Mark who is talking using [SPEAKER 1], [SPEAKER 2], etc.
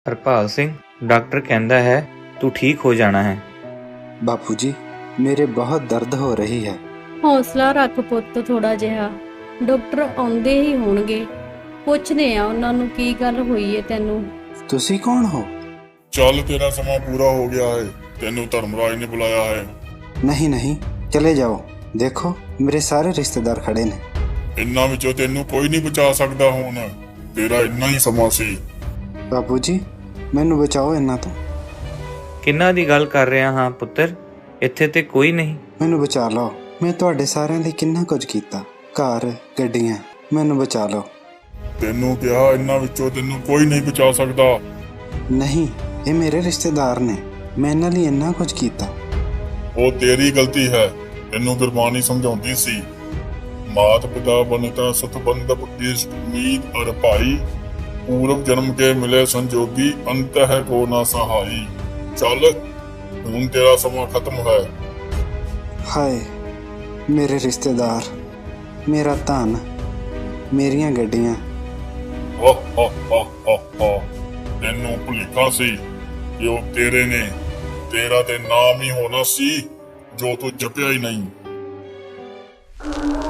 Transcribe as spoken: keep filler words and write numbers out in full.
[SPEAKER 1] Harpal Singh doctor ਕਹਿੰਦਾ ਹੈ ਤੂੰ ਠੀਕ ਹੋ ਜਾਣਾ ਹੈ।
[SPEAKER 2] ਬਾਪੂ ਜੀ ਮੇਰੇ ਬਹੁਤ ਦਰਦ ਹੋ ਰਹੀ ਹੈ।
[SPEAKER 3] ਹੌਸਲਾ ਰੱਖ ਪੁੱਤ, ਥੋੜਾ ਜਿਹਾ ਡਾਕਟਰ ਆਉਂਦੇ ਹੀ ਹੋਣਗੇ, ਪੁੱਛਦੇ ਆ ਉਹਨਾਂ ਨੂੰ ਕੀ ਗੱਲ ਹੋਈ ਹੈ ਤੈਨੂੰ।
[SPEAKER 2] ਤੁਸੀਂ ਕੌਣ ਹੋ?
[SPEAKER 4] ਚੱਲ ਤੇਰਾ ਸਮਾਂ ਪੂਰਾ ਹੋ ਗਿਆ ਹੈ, ਤੈਨੂੰ ਧਰਮਰਾਜ ਨੇ ਬੁਲਾਇਆ ਹੈ।
[SPEAKER 2] ਨਹੀਂ ਨਹੀਂ ਚਲੇ ਜਾਓ, ਦੇਖੋ ਮੇਰੇ ਸਾਰੇ ਰਿਸ਼ਤੇਦਾਰ ਖੜੇ ਨੇ।
[SPEAKER 4] ਇੰਨਾਂ ਵਿੱਚੋਂ ਤੈਨੂੰ ਕੋਈ ਨਹੀਂ ਬਚਾ ਸਕਦਾ, ਹੁਣ ਤੇਰਾ ਇੰਨਾ ਹੀ ਸਮਾਂ ਸੀ।
[SPEAKER 2] ਬਾਪੂ ਜੀ ਮੈਨੂੰ ਬਚਾਓ ਇਹਨਾਂ ਤੋਂ।
[SPEAKER 1] ਕਿੰਨਾਂ ਦੀ ਗੱਲ ਕਰ ਰਿਹਾ ਹਾਂ ਪੁੱਤਰ, ਇੱਥੇ ਤੇ ਕੋਈ ਨਹੀਂ।
[SPEAKER 2] ਮੈਨੂੰ ਬਚਾ ਲਓ, ਮੈਂ ਤੁਹਾਡੇ ਸਾਰਿਆਂ ਲਈ ਕਿੰਨਾ ਕੁਝ ਕੀਤਾ, ਘਰ ਗੱਡੀਆਂ, ਮੈਨੂੰ ਬਚਾ ਲਓ।
[SPEAKER 4] ਤੈਨੂੰ ਕਿਹਾ ਇੰਨਾਂ ਵਿੱਚੋਂ ਤੈਨੂੰ ਕੋਈ ਨਹੀਂ ਬਚਾ ਸਕਦਾ।
[SPEAKER 2] ਨਹੀਂ ਇਹ ਮੇਰੇ ਰਿਸ਼ਤੇਦਾਰ ਨੇ, ਮੈਂ ਇਹਨਾਂ ਲਈ ਇੰਨਾ ਕੁਝ ਕੀਤਾ।
[SPEAKER 4] ਉਹ ਤੇਰੀ ਗਲਤੀ ਹੈ, ਤੈਨੂੰ ਗੁਰਬਾਣੀ ਸਮਝਾਉਂਦੀ ਸੀ, ਮਾਤ ਪਿਤਾ ਬਨਤਾ ਸਤਬੰਧਪ ਇਸ਼ਟ ਉਮੀਦ ਅਰ ਭਾਈ, ਪੂਰਵ ਜਨਮ ਕੇ ਮਿਲੇ ਸੰਜੋਗੀ ਅੰਤ ਹੈ ਕੋ ਨਾ ਸਹਾਈ। ਚੱਲ ਹੁਣ ਤੇਰਾ ਸਮਾਂ ਖਤਮ ਹੈ।
[SPEAKER 2] ਹਾਏ ਮੇਰੇ ਰਿਸ਼ਤੇਦਾਰ, ਮੇਰਾ ਧਨ, ਮੇਰੀਆਂ ਗੱਡੀਆਂ।
[SPEAKER 4] ਹਾ ਹਾ ਹਾ ਹਾ ਹਾ, ਤੈਨੂੰ ਭੁਲੇਖਾ ਸੀ ਕਿ ਉਹ ਤੇਰੇ ਨੇ, ਤੇਰਾ ਤੇ ਨਾਮ ਹੀ ਹੋਣਾ ਸੀ ਜੋ ਤੂੰ ਜਪਿਆ ਹੀ ਨਹੀਂ।